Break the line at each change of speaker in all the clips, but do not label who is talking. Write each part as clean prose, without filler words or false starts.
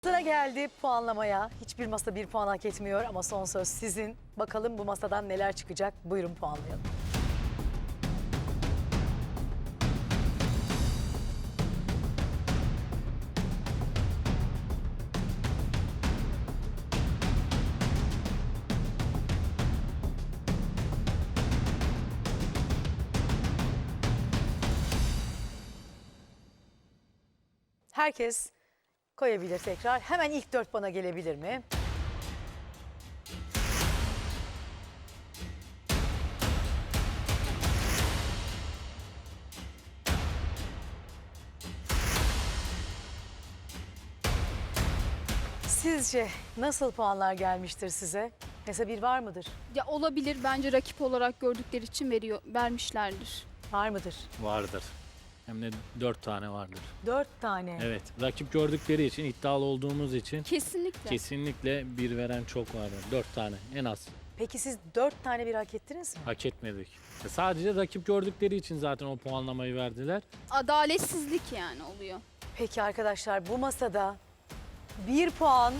Sıra geldi puanlamaya. Hiçbir masa bir puan hak etmiyor ama son söz sizin. Bakalım bu masadan neler çıkacak? Buyurun puanlayalım. Herkes koyabilir tekrar. Hemen ilk 4 bana gelebilir mi? Sizce nasıl puanlar gelmiştir size? Mesela bir var mıdır?
Ya olabilir, bence rakip olarak gördükleri için vermişlerdir.
Var mıdır?
Vardır. Hem de 4 tane vardır.
4 tane.
Evet. Rakip gördükleri için, iddialı olduğumuz için
Kesinlikle.
kesinlikle bir veren çok vardır. 4 tane en az.
Peki siz 4 tane bir hak ettiniz mi?
Hak etmedik. Sadece rakip gördükleri için zaten o puanlamayı verdiler.
Adaletsizlik yani oluyor.
Peki arkadaşlar bu masada 1 puan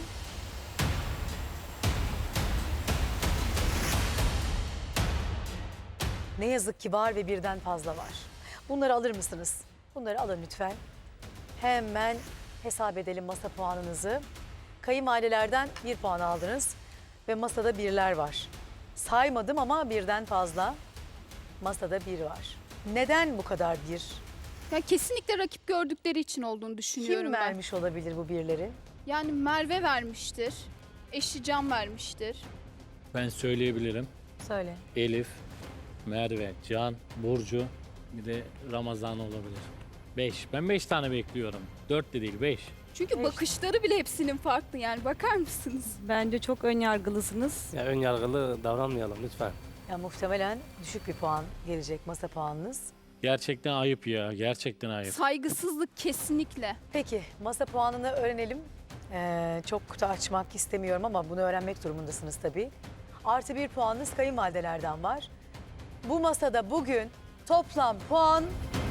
ne yazık ki var ve birden fazla var. Bunları alır mısınız? Bunları alın lütfen. Hemen hesap edelim masa puanınızı. Kayınvalidelerden 1 puan aldınız ve masada birler var. Saymadım ama birden fazla masada bir var. Neden bu kadar bir?
Ya kesinlikle rakip gördükleri için olduğunu düşünüyorum
Kim
ben.
vermiş olabilir bu birleri?
Yani Merve vermiştir. Eşi Can vermiştir.
Ben söyleyebilirim.
Söyle.
Elif, Merve, Can, Burcu, bir de Ramazan olabilir. 5. Ben 5 tane bekliyorum. 4 de değil 5.
Çünkü
Evet.
bakışları bile hepsinin farklı yani bakar mısınız?
Bence çok önyargılısınız.
Ya ön yargılı davranmayalım lütfen.
Ya muhtemelen düşük bir puan gelecek masa puanınız.
Gerçekten ayıp ya. Gerçekten ayıp.
Saygısızlık kesinlikle.
Peki masa puanını öğrenelim. Çok da açmak istemiyorum ama bunu öğrenmek durumundasınız tabii. Artı 1 puanınız kayınvalidelerden var. Bu masada bugün toplam puan...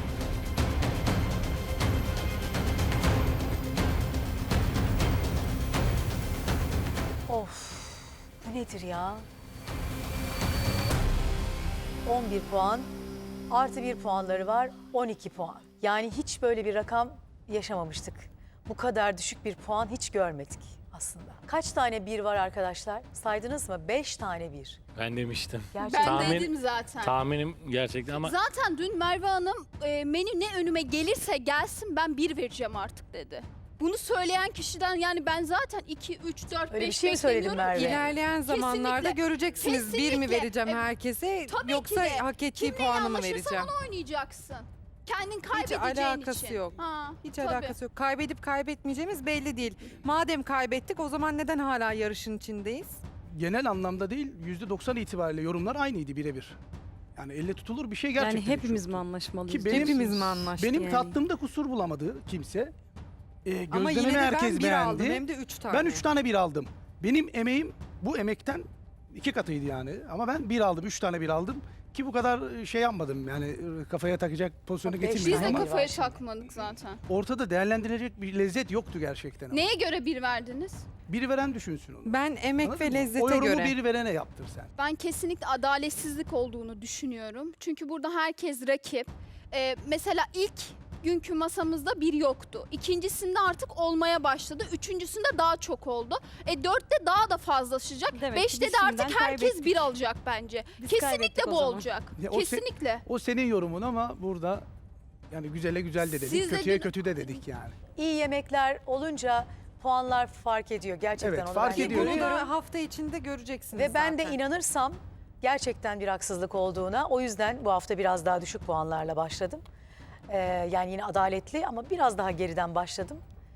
Of, bu nedir ya? 11 puan, artı 1 puanları var, 12 puan. Yani hiç böyle bir rakam yaşamamıştık. Bu kadar düşük bir puan hiç görmedik aslında. Kaç tane bir var arkadaşlar? Saydınız mı? 5 tane bir.
Ben demiştim.
Gerçekten.
Ben
Tahmin-
dedim zaten.
Tahminim gerçekten ama
Zaten dün Merve Hanım menü ne önüme gelirse gelsin ben 1 vereceğim artık dedi. Bunu söyleyen kişiden yani ben zaten 2, 3, 4, 5
Öyle bir şey mi söyledin Merve?
İlerleyen zamanlarda
Kesinlikle.
göreceksiniz bir mi
Kesinlikle.
vereceğim herkese
Tabii
yoksa
ki de.
hak ettiği
Kimle
puanı mı
anlaşırsan
vereceğim?
onu oynayacaksın. Kendin kaybedeceğin
alakası
için.
yok.
Ha,
Hiç
tabii.
alakası yok. Kaybedip kaybetmeyeceğimiz belli değil. Madem kaybettik o zaman neden hala yarışın içindeyiz?
Genel anlamda değil, %90 itibariyle yorumlar aynıydı birebir. Yani elle tutulur bir şey gerçekten
Yani hepimiz
yoktu.
mi anlaşmalıyız?
Ki benim-
Hepimiz mi anlaştık
Benim
yani?
tattığımda kusur bulamadı kimse.
Ama yine
Gözlememi
de
herkes
ben bir
beğendi.
aldım hem de 3 tane.
Ben 3 tane bir aldım. Benim emeğim bu emekten 2 katıydı yani. Ama ben bir aldım, 3 tane bir aldım. Ki bu kadar şey yapmadım yani kafaya takacak pozisyona
Beş
getirmedim
Biz de
tane
ama
var
kafaya
şimdi.
takmadık zaten.
ortada değerlendirilecek bir lezzet yoktu gerçekten. ama.
Neye göre 1 verdiniz?
Biri veren düşünsün onu.
Ben emek
Anladın
ve
mı?
lezzete
O yorumu
göre.
bir verene yaptır sen.
Ben kesinlikle adaletsizlik olduğunu düşünüyorum. Çünkü burada herkes rakip. Mesela ilk günkü masamızda 1 yoktu. İkincisinde artık olmaya başladı. Üçüncüsünde daha çok oldu. 4'te daha da fazlalaşacak.
Demek ki
5'te
biz
de
şimdiden
artık herkes
kaybettik.
1 alacak bence.
Biz
Kesinlikle
kaybettik o
bu
zaman.
olacak.
Ya o se-
Kesinlikle.
O senin yorumun ama burada yani güzele güzel de dedik,
Siz de
kötüye
dün-
kötü de dedik yani.
İyi yemekler olunca puanlar fark ediyor. Gerçekten
Evet,
onu
fark
ben de
ediyor.
Bunu
görüyorum.
da hafta içinde göreceksiniz
Ve ben de
zaten.
inanırsam gerçekten bir haksızlık olduğuna, o yüzden bu hafta biraz daha düşük puanlarla başladım. Yani yine adaletli ama biraz daha geriden başladım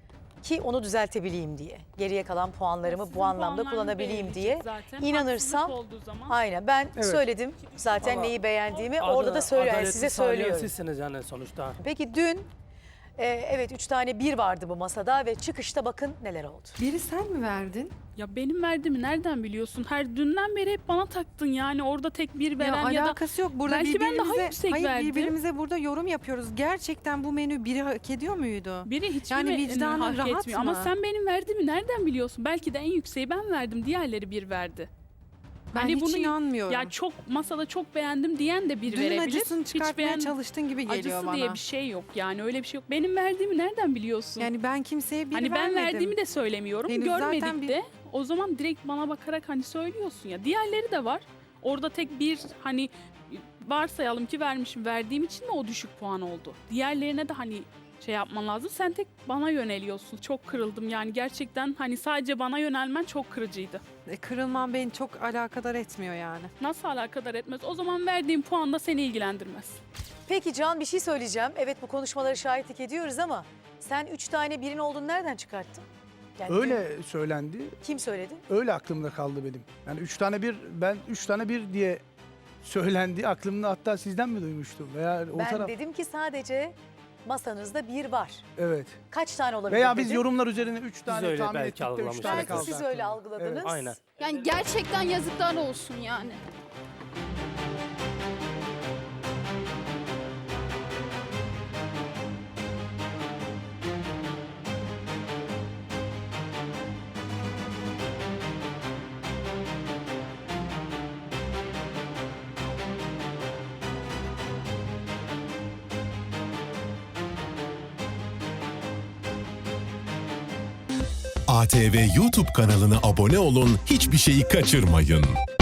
ki onu düzeltebileyim diye. Geriye kalan puanlarımı bu anlamda kullanabileyim diye. İnanırsam aynen ben
Evet.
söyledim zaten
Ama
neyi beğendiğimi orada da söylüyorum. Yani size söylüyorum.
Sizsiniz yani sonuçta.
Peki dün Evet 3 tane 1 vardı bu masada ve çıkışta bakın neler oldu.
Biri sen mi verdin?
Ya benim verdiğimi nereden biliyorsun? Her dünden beri hep bana taktın yani orada tek bir veren ya, da
alakası yok. Burada
belki ben daha
birbirimize-
yüksek
hayır,
verdim.
birbirimize burada yorum yapıyoruz. Gerçekten bu menü biri hak ediyor muydu?
biri hiç
Yani
mi
vicdanın
hak
rahat
etmiyor? Ama
mı?
sen benim verdiğimi nereden biliyorsun? Belki de en yükseği ben verdim. Diğerleri bir verdi.
Ben
Hani
hiç
bunu-
inanmıyorum.
Ya çok masada çok beğendim diyen de bir
Dünün
verebilir.
acısını çıkartmaya
beğen-
çalıştığın gibi geliyor
Acısı
bana.
diye bir şey yok yani öyle bir şey yok. Benim verdiğimi nereden biliyorsun?
Yani ben kimseye bir
hani ben
vermedim.
verdiğimi de söylemiyorum.
Henüz
Görmedik
zaten bir-
de. O zaman direkt bana bakarak hani söylüyorsun ya. Diğerleri de var. Orada tek bir hani varsayalım ki vermişim. Verdiğim için mi o düşük puan oldu? Diğerlerine de hani şey yapman lazım. Sen tek bana yöneliyorsun. Çok kırıldım yani gerçekten hani sadece bana yönelmen çok kırıcıydı.
Kırılman beni çok alakadar etmiyor yani.
Nasıl alakadar etmez? O zaman verdiğim puan da seni ilgilendirmez.
Peki Can bir şey söyleyeceğim. Evet bu konuşmaları şahitlik ediyoruz ama sen 3 tane 1'in olduğunu nereden çıkarttın? Yani
Öyle söylendi.
kim söyledi?
Öyle aklımda kaldı benim. Yani 3 tane 1, ben 3 tane 1 diye söylendi aklımda, hatta sizden mi duymuştum veya o
Ben
taraf.
dedim ki sadece masanızda 1 var.
Evet.
Kaç tane olabilir
Veya biz
dedim.
yorumlar üzerine 3 tane
öyle
tahmin
belki
ettik de 3
algılamışız.
tane
Belki
kaldı.
siz
aklımda.
öyle algıladınız.
Evet,
aynen.
Yani gerçekten yazıklar olsun yani.
ATV YouTube kanalına abone olun, hiçbir şeyi kaçırmayın.